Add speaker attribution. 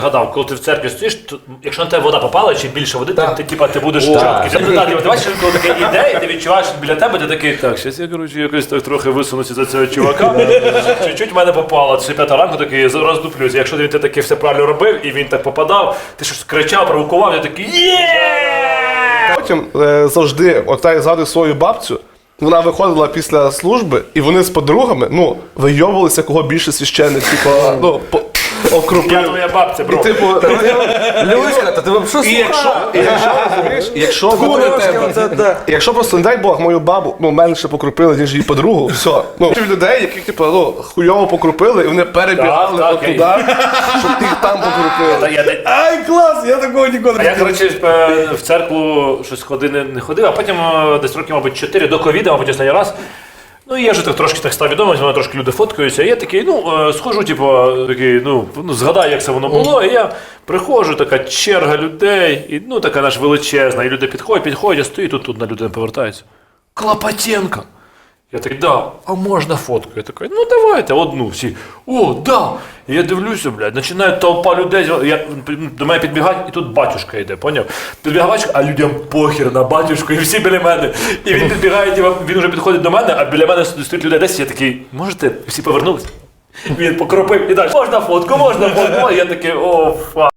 Speaker 1: Гадав, коли ти в церкві стоїш, то, якщо на тебе вода попала, чи більше води, ти будеш
Speaker 2: Так.
Speaker 1: чіткий. Ти бачиш, коли таке іде, і ти відчуваєш біля тебе, ти такий, так, щас я, коротше, якось так трохи висунуся за цього чувака, чуть-чуть в мене попало, це 5 ранку, такий, роздуплюсь. Якщо ти таки все правильно робив, і він так попадав, ти щось кричав, провокував, я такий, є!
Speaker 2: Потім завжди, от я згадую свою бабцю, вона виходила після служби, і вони з подругами, вийовувалися, кого більше священник, окрупив.
Speaker 1: Я твоя бабця, бро.
Speaker 3: Люська, та ти взагалі
Speaker 2: Якщо просто, не дай Бог, мою бабу, менше покрупили, ніж її подругу, все. Людей, яких, хуйово покрупили, і вони перебігали
Speaker 1: Так,
Speaker 2: от туди, щоб їх там покрупили.
Speaker 3: Ай, клас, я такого ніколи
Speaker 1: А я, коротше, в церкву щось не ходив, а потім десь років, мабуть, 4 до ковіда, мабуть, останній раз. Ну, і я вже так трошки так став відомий, мене трошки люди фоткаються, і я такий, схожу, згадаю, як це воно було, і я приходжу, така черга людей, і, така наш величезна, і люди підходять, я стою, тут на людину повертаються. Клопотенко! Я такий, да, а можна фотку? Я такий, давайте, одну, всі. О, да! І я дивлюся, блядь, починає толпа людей, до мене підбігають, і тут батюшка йде, поняв? Підбігає батюшка, а людям похер на батюшку, і всі біля мене. І він підбігає, він вже підходить до мене, а біля мене стоїть людей 10, я такий, можете? Всі повернулись? Він покропив і далі, можна фотку, я такий, о, фа.